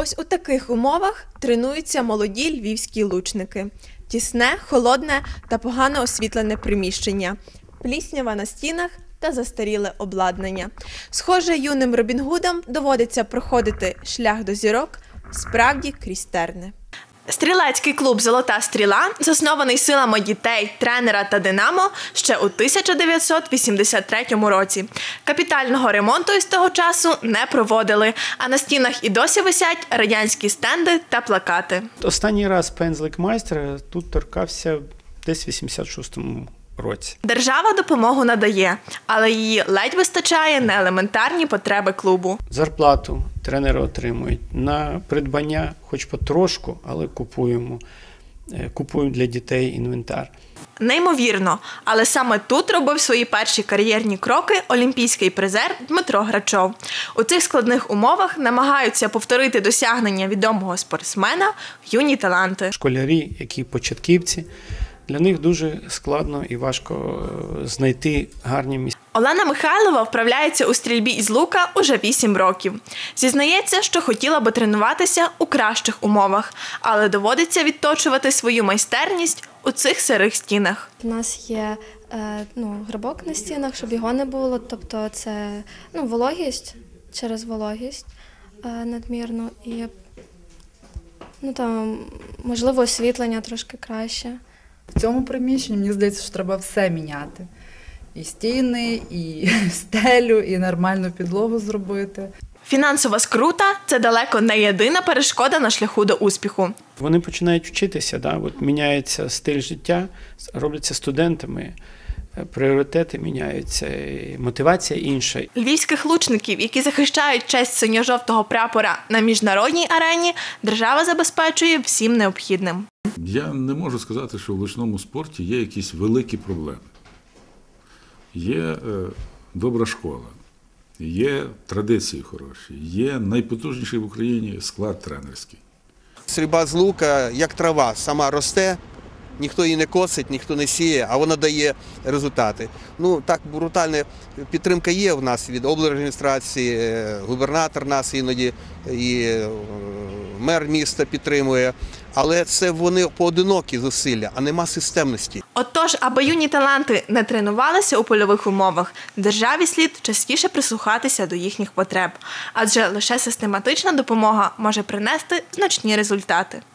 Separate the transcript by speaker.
Speaker 1: Ось у таких умовах тренуються молоді львівські лучники. Тісне, холодне та погано освітлене приміщення, пліснява на стінах та застаріле обладнання. Схоже, юним Робін Гудам доводиться проходити шлях до зірок справді крізь терни. Стрілецький клуб «Золота стріла» заснований силами дітей, тренера та «Динамо» ще у 1983 році. Капітального ремонту із того часу не проводили, а на стінах і досі висять радянські стенди та плакати.
Speaker 2: Останній раз пензлик майстра тут торкався десь в 86-му році.
Speaker 1: Держава допомогу надає, але її ледь вистачає на елементарні потреби клубу.
Speaker 2: Зарплату тренери отримують. На придбання хоч потрошку, але купуємо для дітей інвентар.
Speaker 1: Неймовірно, але саме тут робив свої перші кар'єрні кроки олімпійський призер Дмитро Грачов. У цих складних умовах намагаються повторити досягнення відомого спортсмена юні таланти.
Speaker 2: Школярі, які початківці, для них дуже складно і важко знайти гарні місця.
Speaker 1: Олена Михайлова вправляється у стрільбі із лука уже 8 років. Зізнається, що хотіла би тренуватися у кращих умовах, але доводиться відточувати свою майстерність у цих сирих стінах.
Speaker 3: У нас є грибок на стінах, щоб його не було, тобто це вологість, через вологість надмірну і можливо освітлення трошки краще.
Speaker 4: В цьому приміщенні, мені здається, що треба все міняти. І стіни, і стелю, і нормальну підлогу зробити.
Speaker 1: Фінансова скрута – це далеко не єдина перешкода на шляху до успіху.
Speaker 2: Вони починають вчитися, міняється стиль життя, робляться студентами, пріоритети міняються, і мотивація інша.
Speaker 1: Львівських лучників, які захищають честь синьо-жовтого прапора на міжнародній арені, держава забезпечує всім необхідним.
Speaker 5: Я не можу сказати, що в лучному спорті є якісь великі проблеми. Є добра школа, є традиції хороші, є найпотужніший в Україні склад тренерський.
Speaker 6: Стрільба з лука, як трава, сама росте, ніхто її не косить, ніхто не сіє, а вона дає результати. Так, брутальна підтримка є в нас від облдержадміністрації, губернатор нас іноді, і мер міста підтримує. Але це вони поодинокі зусилля, а нема системності.
Speaker 1: Отож, аби юні таланти не тренувалися у польових умовах, державі слід частіше прислухатися до їхніх потреб. Адже лише систематична допомога може принести значні результати.